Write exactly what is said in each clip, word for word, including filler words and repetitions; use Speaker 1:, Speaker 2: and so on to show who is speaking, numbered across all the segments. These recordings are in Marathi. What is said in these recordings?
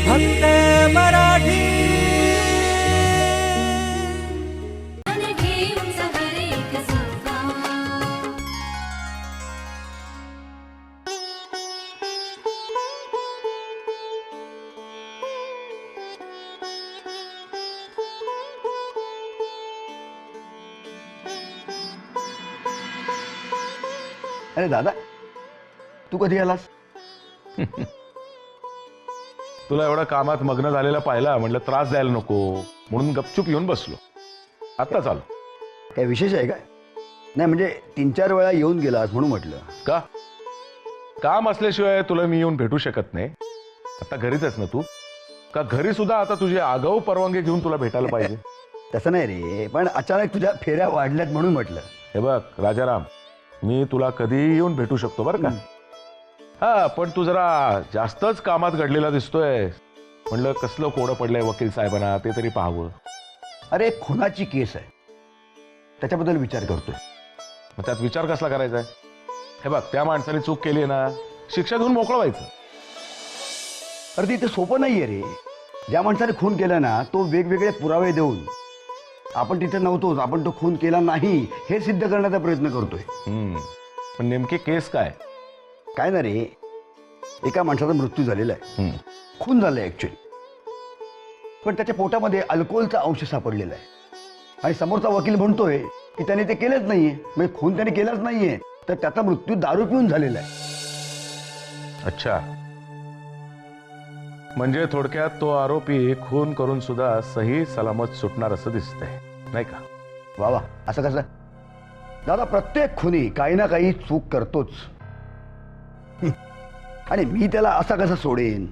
Speaker 1: फक्त मराठी।
Speaker 2: अरे दादा, तू कधी आलास?
Speaker 3: तुला एवढा कामात मग्न झालेला पाहिला, म्हटलं त्रास द्यायला नको म्हणून गपचूप येऊन बसलो. आता चालू.
Speaker 2: काय विशेष आहे काय? नाही म्हणजे तीन चार वेळा येऊन गेलास म्हणून म्हटलं.
Speaker 3: का? काम असल्याशिवाय तुला मी येऊन भेटू शकत नाही. आता घरीच आहेस ना तू? का घरी सुद्धा आता तुझी आगाऊ परवानगी घेऊन तुला भेटायला पाहिजे?
Speaker 2: तसं नाही रे, पण अचानक तुझ्या फेऱ्या वाढल्यात म्हणून म्हटलं.
Speaker 3: हे बघ राजाराम, मी तुला कधी येऊन भेटू शकतो बरं का. हा, पण तू जरा जास्तच कामात घडलेला दिसतोय. म्हणलं कसलं कोडं पडलंय वकील साहेबांना ते तरी पाहावं.
Speaker 2: अरे खुनाची केस आहे, त्याच्याबद्दल विचार करतोय.
Speaker 3: मग त्यात विचार कसला करायचा आहे? हे बघ, त्या माणसाने चूक केली ना, शिक्षा देऊन मोकळं व्हायचं.
Speaker 2: अरे ते इथे सोपं नाहीये रे. ज्या माणसाने खून केला ना, तो वेगवेगळे पुरावे देऊन आपण तिथे नव्हतोच, आपण तो खून केला नाही हे सिद्ध करण्याचा प्रयत्न करतोय.
Speaker 3: हम्म, पण नेमके केस काय?
Speaker 2: काय ना रे, एका माणसाचा मृत्यू झालेला आहे,
Speaker 3: हम्म,
Speaker 2: खून झालाय ऍक्च्युली, पण त्याच्या पोटामध्ये अल्कोहोलचा अंश सापडलेला आहे. आणि समोरचा वकील म्हणतोय की त्याने ते केलंच नाहीये, म्हणजे खून त्याने केलाच नाहीये, तर त्याचा मृत्यू दारू पिऊन झालेला आहे.
Speaker 3: अच्छा, म्हणजे थोडक्यात तो आरोपी खून करून सुद्धा सही सलामत सुटणार असं दिसतंय, नाही का?
Speaker 2: वा वा, असं कसं? दादा, प्रत्येक खुनी काही ना काही चूक करतोच, आणि मी त्याला असा कसा सोडेन?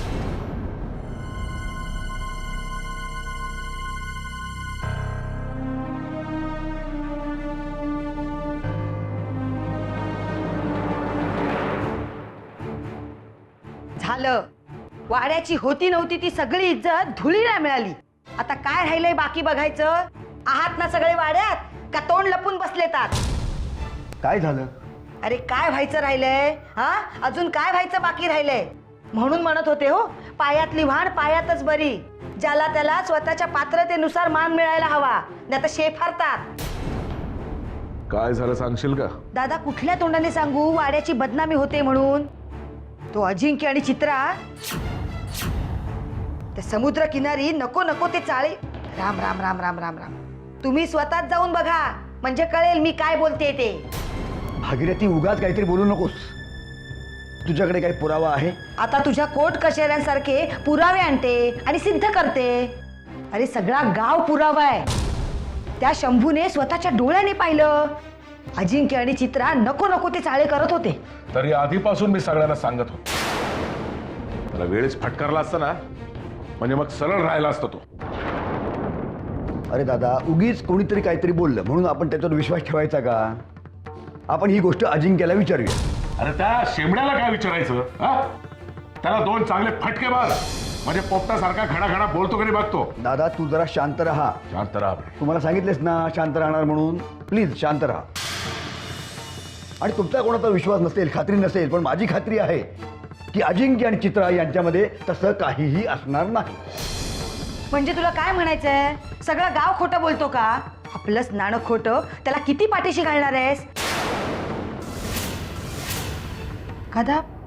Speaker 4: झालं, वाड्याची होती नव्हती ती सगळी इज्जत धुळीला मिळाली. आता काय राहिलंय बाकी बघायचं? आहात ना सगळे वाड्यात, का तोंड लपून बसलेतात?
Speaker 2: काय झालं?
Speaker 4: अरे काय व्हायचं राहिलंय? हा, अजून काय व्हायचं बाकी राहिलंय? म्हणून म्हणत होते हो, पायातली वाण पायातच बरी. ज्याला त्याला स्वतःच्या पात्रतेनुसार मान मिळायला हवा, नाही तर शेफारतात.
Speaker 3: काय झालं सांगशील का?
Speaker 4: दादा, कुठल्या तोंडाने सांगू वाड्याची बदनामी होते म्हणून? तो अजिंक्य आणि चित्रा त्या समुद्र किनारी नको नको ते चाळे. राम राम राम राम राम राम. तुम्ही स्वतःच जाऊन बघा, म्हणजे कळेल मी काय बोलते ते.
Speaker 2: भागीरथी, उगाच काहीतरी बोलू नकोस. तुझ्याकडे काही पुरावा आहे?
Speaker 4: आता तुझ्या कोर्ट कचेऱ्यांसारखे पुरावे आणते आणि सिद्ध करते. अरे सगळा गाव पुरावा आहे. त्या शंभूने स्वतःच्या डोळ्याने पाहिलं, अजिंक्य आणि चित्रा नको नको ते चाळे करत होते.
Speaker 3: तरी आधीपासून मी सगळ्यांना सांगत होतो. मला वेळेस फटकारला असता ना, म्हणजे मग सरळ राहिला असतो तो.
Speaker 2: अरे दादा, उगीच कोणीतरी काहीतरी बोललं म्हणून आपण त्याच्यावर विश्वास ठेवायचा का? आपण ही गोष्ट अजिंक्यला विचारूया.
Speaker 3: अरे त्या शेमड्याला काय विचारायचं? हा, त्याला दोन चांगले फटके मार, म्हणजे पोपटासारखा घडा घडा बोलतो कधी बघतो.
Speaker 2: दादा, तू जरा शांत राहा.
Speaker 3: शांत राहा.
Speaker 2: तुम्हाला सांगितलेस ना शांत राहणार म्हणून. प्लीज शांत राहा. आणि तुमचा कोणाचा विश्वास नसेल, खात्री नसेल, पण माझी खात्री आहे की अजिंक्य आणि चित्रा यांच्यामध्ये तसं काहीही असणार नाही.
Speaker 4: म्हणजे तुला काय म्हणायचंय? सगळं गाव खोटं बोलतो का? आपलंच नाणं खोटं, त्याला किती पाठीशी घालणार आहेस? कदा